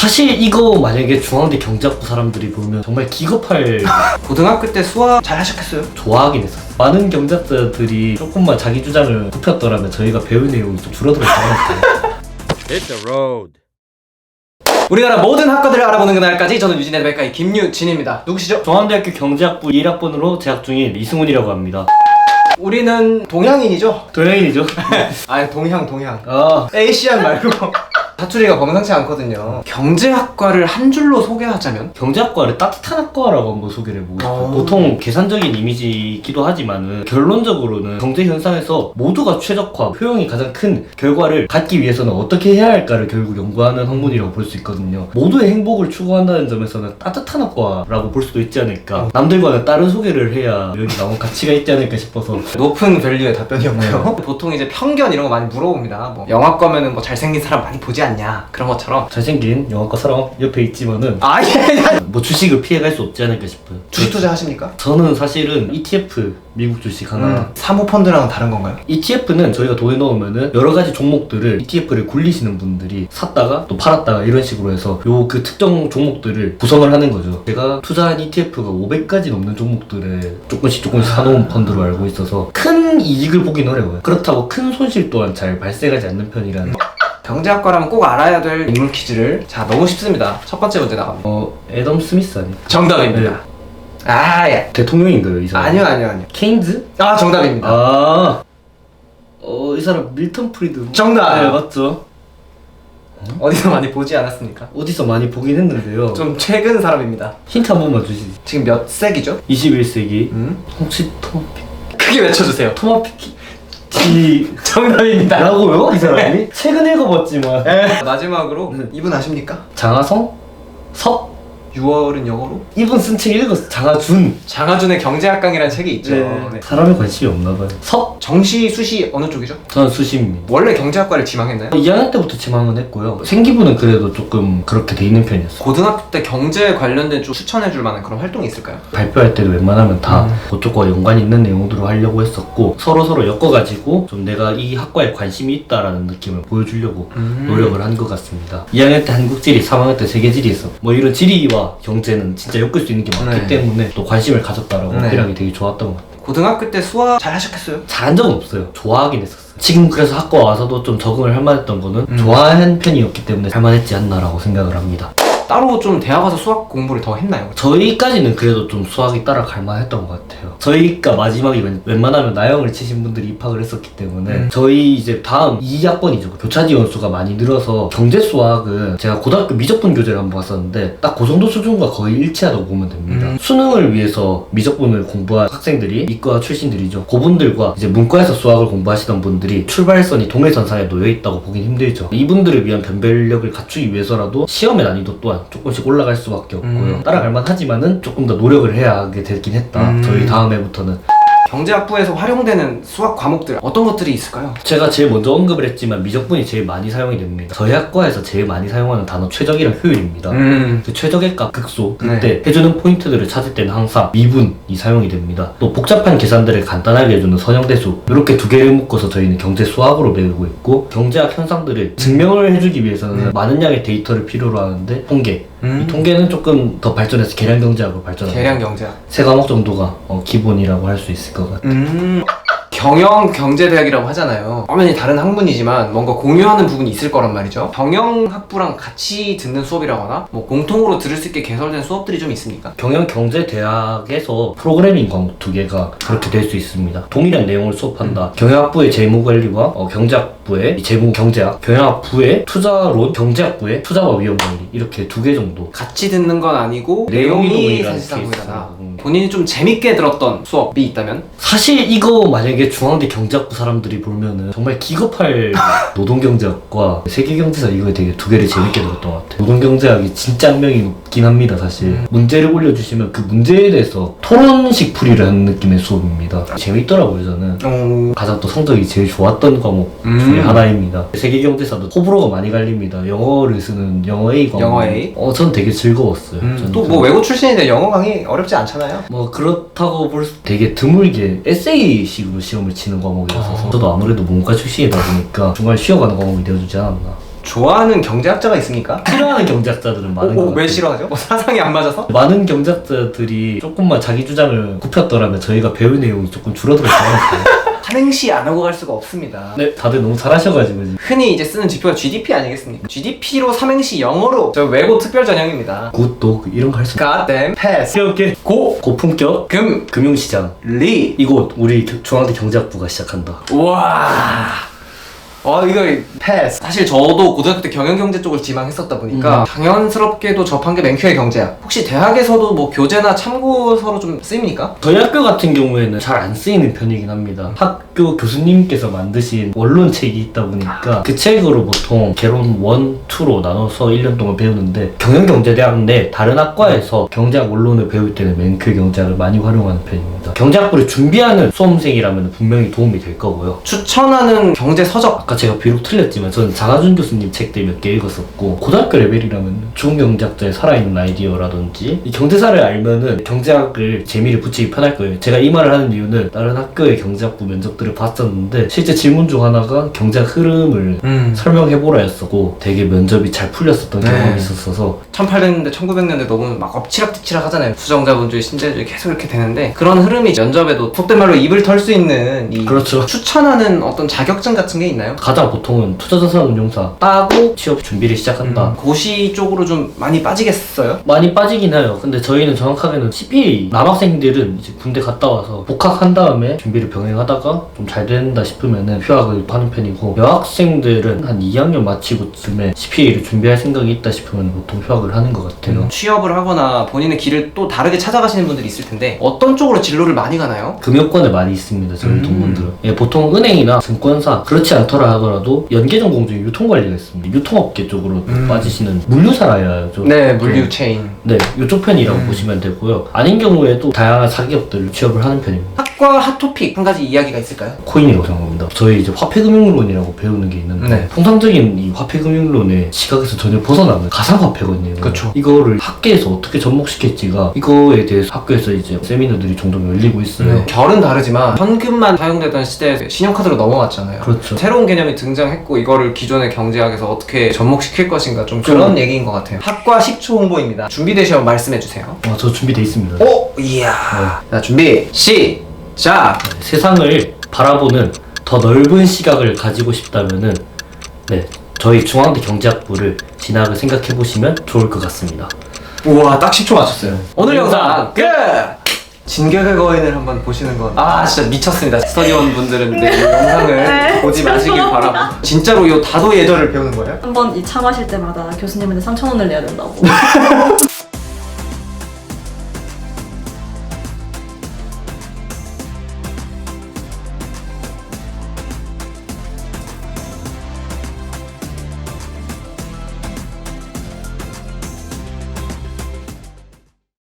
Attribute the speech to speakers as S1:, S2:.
S1: 사실 이거 만약에 중앙대 경제학부 사람들이 보면 정말 기겁할
S2: 고등학교 때 수학 잘 하셨겠어요?
S1: 좋아하긴 했었어요. 많은 경제학자들이 조금만 자기 주장을 굽혔더라면 저희가 배울 내용이 좀 줄어들었을 것 같아요.
S3: Hit the road.
S2: 우리나라 모든 학과들을 알아보는 그날까지 저는 유진의 백과의 김유진입니다. 누구시죠?
S1: 중앙대학교 경제학부 1학번으로 재학 중인 이승훈이라고 합니다.
S2: 우리는 동양인이죠?
S1: 동양인이죠?
S2: 아니 동양
S1: 아,
S2: 에이시안 말고 사투리가 범상치 않거든요. 경제학과를 한 줄로 소개하자면?
S1: 경제학과를 따뜻한 학과라고 한번 소개를 해보고 싶어요.
S2: 오.
S1: 보통 계산적인 이미지이기도 하지만은 결론적으로는 경제 현상에서 모두가 최적화, 효용이 가장 큰 결과를 갖기 위해서는 어떻게 해야 할까를 결국 연구하는 학문이라고 볼 수 있거든요. 모두의 행복을 추구한다는 점에서는 따뜻한 학과라고 볼 수도 있지 않을까. 남들과는 다른 소개를 해야 여기 나온 가치가 있지 않을까 싶어서.
S2: 높은 밸류의 답변이었고요. 보통 이제 편견 이런 거 많이 물어봅니다. 뭐 영화과면은 뭐 잘생긴 사람 많이 보지 않냐 그런 것처럼.
S1: 잘생긴 영화과 사람 옆에 있지만은
S2: 아예
S1: 뭐 주식을 피해갈 수 없지 않을까 싶어요.
S2: 주식 투자 하십니까?
S1: 저는 사실은 ETF 미국 주식 하나
S2: 사모펀드랑은 다른 건가요?
S1: ETF는 저희가 돈에 넣으면은 여러 가지 종목들을 ETF를 굴리시는 분들이 샀다가 또 팔았다가 이런 식으로 해서 요 그 특정 종목들을 구성을 하는 거죠. 제가 투자한 ETF가 500가지 넘는 종목들에 조금씩 사놓은 펀드로 알고 있어서 큰 이익을 보긴 어려워요. 그렇다고 큰 손실 또한 잘 발생하지 않는 편이라는.
S2: 경제학과라면 꼭 알아야 될 인물 퀴즈를 자 너무 쉽습니다. 첫 번째 문제 나갑니다.
S1: 애덤 스미스 아니에요?
S2: 정답입니다.
S1: 네.
S2: 아 예.
S1: 대통령인가요, 이 사람?
S2: 아니요.
S1: 케인즈?
S2: 아 정답입니다.
S1: 아, 이 사람 밀턴 프리드.
S2: 정답!
S1: 네, 맞죠?
S2: 어디서 많이 보지 않았습니까?
S1: 어디서 많이 보긴 했는데요.
S2: 좀 최근 사람입니다.
S1: 힌트 한 번만 주시지.
S2: 지금 몇 세기죠?
S1: 21세기. 혹시
S2: 크게 외쳐주세요.
S1: 토마피키
S2: 정답입니다.
S1: 라고요? 이 사람이? 최근 읽어봤지만.
S2: 마지막으로 이분 아십니까?
S1: 장하성? 석?
S2: 6월은 영어로?
S1: 이분 쓴 책 읽었어. 장하준.
S2: 장하준의 경제학강이라는 책이 있죠. 네.
S1: 사람에 관심이 없나봐요. 석?
S2: 정시, 수시 어느 쪽이죠?
S1: 저는 수시입니다.
S2: 원래 경제학과를 지망했나요?
S1: 2학년 때부터 지망은 했고요. 생기부는 그래도 조금 그렇게 돼 있는 편이었어요.
S2: 고등학교 때 경제 관련된 좀 추천해줄 만한 그런 활동이 있을까요?
S1: 발표할 때도 웬만하면 다 그쪽과 연관이 있는 내용들로 하려고 했었고 서로 엮어가지고 좀 내가 이 학과에 관심이 있다라는 느낌을 보여주려고 노력을 한 것 같습니다. 2학년 때 한국지리, 3학년 때 세계지리 있어. 뭐 이런 지리와 경제는 진짜 엮을 수 있는 게 많기 때문에 또 관심을 가졌다라고 어필하기 되게 좋았던 것 같아요.
S2: 고등학교 때 수학 잘 하셨겠어요?
S1: 잘한 적은 없어요. 좋아하긴 했었어요. 지금 그래서 학과 와서도 좀 적응을 할 만했던 거는 좋아한 편이었기 때문에 할 만했지 않나라고 생각을 합니다.
S2: 따로 좀 대학 가서 수학 공부를 더 했나요?
S1: 저희까지는 그래도 좀 수학이 따라갈 만했던 것 같아요. 저희가 마지막에 웬만하면 나영을 치신 분들이 입학을 했었기 때문에 저희 이제 다음 2학번이죠. 교차 지원 수가 많이 늘어서 경제 수학은 제가 고등학교 미적분 교재를 한번 봤었는데 딱 그 정도 수준과 거의 일치하다고 보면 됩니다. 수능을 위해서 미적분을 공부한 학생들이 이과 출신들이죠. 그분들과 이제 문과에서 수학을 공부하시던 분들이 출발선이 동일선상에 놓여있다고 보긴 힘들죠. 이분들을 위한 변별력을 갖추기 위해서라도 시험의 난이도 또한 조금씩 올라갈 수밖에 없고요. 따라갈 만하지만은 조금 더 노력을 해야 하게 되긴 했다. 저희 다음 해부터는.
S2: 경제학부에서 활용되는 수학 과목들 어떤 것들이 있을까요?
S1: 제가 제일 먼저 언급을 했지만 미적분이 제일 많이 사용이 됩니다. 저희 학과에서 제일 많이 사용하는 단어 최적이랑 효율입니다. 그 최적의 값, 극소, 그때 해주는 포인트들을 찾을 때는 항상 미분이 사용이 됩니다. 또 복잡한 계산들을 간단하게 해주는 선형대수, 이렇게 두 개를 묶어서 저희는 경제 수학으로 배우고 있고 경제학 현상들을 증명을 해주기 위해서는 많은 양의 데이터를 필요로 하는데 통계, 이 통계는 조금 더 발전해서 계량경제학으로 발전합니다.
S2: 계량경제학
S1: 세 과목 정도가 기본이라고 할 수 있을 것 같아요.
S2: 경영경제대학이라고 하잖아요. 화면이 다른 학문이지만 뭔가 공유하는 부분이 있을 거란 말이죠. 경영학부랑 같이 듣는 수업이라거나 뭐 공통으로 들을 수 있게 개설된 수업들이 좀 있습니까?
S1: 경영경제대학에서 프로그래밍 과목 두 개가 그렇게 될 수 있습니다. 동일한 내용을 수업한다. 경영학부의 재무관리와 경제학부의 재무경제학, 경영학부의 투자론, 경제학부의 투자와 위험관리, 이렇게 두 개 정도.
S2: 같이 듣는 건 아니고
S1: 내용이
S2: 내용이
S1: 동일한
S2: 사실상
S1: 케이스.
S2: 동일하다. 본인이 좀 재밌게 들었던 수업이 있다면?
S1: 사실 이거 만약에 중앙대 경제학부 사람들이 보면은 정말 기겁할 노동경제학과 세계경제사 이거 되게 두 개를 재밌게 들었던 것 같아요. 노동경제학이 진짜 악명이 높긴 합니다. 사실 문제를 올려주시면 그 문제에 대해서 토론식 풀이를 하는 느낌의 수업입니다. 재밌더라고요. 저는 가장 또 성적이 제일 좋았던 과목 중에 하나입니다. 세계경제사도 호불호가 많이 갈립니다. 영어를 쓰는 영어 A 과목.
S2: 영어 A?
S1: 전 되게 즐거웠어요.
S2: 또 뭐 외국 출신인데 영어 강의 어렵지 않잖아요.
S1: 뭐 그렇다고 볼 수 되게 드물게 에세이식으로 시험을 치는 과목이라서 저도 아무래도 문과 출신이다 보니까 중간에 쉬어가는 과목이 되어주지 않았나.
S2: 좋아하는 경제학자가 있습니까?
S1: 싫어하는 경제학자들은 많은 것
S2: 오,
S1: 같아요.
S2: 왜 싫어하죠? 뭐 사상이 안 맞아서?
S1: 많은 경제학자들이 조금만 자기 주장을 굽혔더라면 저희가 배울 내용이 조금 줄어들었을 것 같아요.
S2: 삼행시 안 하고 갈 수가 없습니다.
S1: 네, 다들 너무 잘하셔가지고 지금.
S2: 흔히 이제 쓰는 지표가 GDP 아니겠습니까? GDP로 삼행시 영어로 저 외고 특별 전형입니다.
S1: 굿도 이런 거 할 수 있어요.
S2: 가댐 패스
S1: 오케이. 고품격
S2: 금
S1: 금융시장.
S2: 리
S1: 이곳 우리 중앙대 경제학부가 시작한다.
S2: 와. 이거 패스. 사실 저도 고등학교 때 경영경제 쪽을 지망했었다 보니까 당연스럽게도 접한 게 맨큐의 경제학. 혹시 대학에서도 뭐 교재나 참고서로 좀 쓰입니까?
S1: 저희 학교 같은 경우에는 잘 안 쓰이는 편이긴 합니다. 학교 교수님께서 만드신 원론책이 있다 보니까 그 책으로 보통 개론 1, 2로 나눠서 1년 동안 배우는데 경영경제대학 내 다른 학과에서 경제학 원론을 배울 때는 맨큐 경제학을 많이 활용하는 편입니다. 경제학부를 준비하는 수험생이라면 분명히 도움이 될 거고요.
S2: 추천하는 경제 서적.
S1: 아까 제가 비록 틀렸지만 저는 장하준 교수님 책들 몇 개 읽었었고 고등학교 레벨이라면 좋은 경제학자의 살아있는 아이디어라든지 이 경제사를 알면은 경제학을 재미를 붙이기 편할 거예요. 제가 이 말을 하는 이유는 다른 학교의 경제학부 면접들을 봤었는데 실제 질문 중 하나가 경제학 흐름을 설명해보라 였었고 되게 면접이 잘 풀렸었던
S2: 네.
S1: 경험이 있었어서
S2: 1800년대, 1900년대 너무 막 엎치락뒤치락 하잖아요. 수정자본주의, 신자유주의 계속 이렇게 되는데 그런 흐름이 면접에도 속된 말로 입을 털 수 있는 이
S1: 그렇죠.
S2: 추천하는 어떤 자격증 같은 게 있나요?
S1: 가장 보통은 투자자산운용사 따고 취업 준비를 시작한다.
S2: 고시 쪽으로 좀 많이 빠지겠어요?
S1: 많이 빠지긴 해요. 근데 저희는 정확하게는 CPA 남학생들은 이제 군대 갔다 와서 복학한 다음에 준비를 병행하다가 좀 잘 된다 싶으면은 휴학을 하는 편이고 여학생들은 한 2학년 마치고쯤에 CPA를 준비할 생각이 있다 싶으면 보통 휴학을 하는 것 같아요.
S2: 취업을 하거나 본인의 길을 또 다르게 찾아가시는 분들이 있을 텐데 어떤 쪽으로 진로를 많이 가나요?
S1: 금융권에 많이 있습니다. 저희 동문들은. 예, 보통 은행이나 증권사 그렇지 않더라 하더라도 연계전공 중에 유통관리가 있습니다. 유통업계 쪽으로 빠지시는 물류사라야 죠.
S2: 네, 물류 체인.
S1: 네, 이쪽 편이라고 보시면 되고요. 아닌 경우에도 다양한 사기업들을 취업을 하는 편입니다.
S2: 학과 핫토픽 한 가지 이야기가 있을까요?
S1: 코인이라고 생각합니다. 저희 이제 화폐금융론이라고 배우는 게 있는데
S2: 네.
S1: 통상적인 이 화폐금융론의 시각에서 전혀 벗어나는 가상화폐거든요.
S2: 그쵸.
S1: 이거를 학계에서 어떻게 접목시킬지가 이거에 대해서 학교에서 이제 세미나들이 종종 열리고 있어요.
S2: 결은 다르지만 현금만 사용되던 시대에 신용카드로 넘어왔잖아요.
S1: 그렇죠.
S2: 새로운 개념이 등장했고 이거를 기존의 경제학에서 어떻게 접목시킬 것인가 좀 그런 얘기인 것 같아요. 학과 10초 홍보입니다. 준비되시면 말씀해주세요.
S1: 저 준비돼 있습니다.
S2: 오! 이야. 자, 준비 시작!
S1: 세상을 바라보는 더 넓은 시각을 가지고 싶다면은 네, 저희 중앙대 경제학부를 진학을 생각해 보시면 좋을 것 같습니다.
S2: 우와, 딱 10초 맞췄어요. 오늘
S1: 영상
S2: 영상 끝! 진격의 거인을 한번 보시는 건 진짜 미쳤습니다. 스터디원 분들은 이 영상을 보지 마시길 바라고. 진짜로 이 다도 예절을 배우는 거예요?
S3: 한번 이 차 마실 때마다 교수님한테 3,000원을 내야 된다고.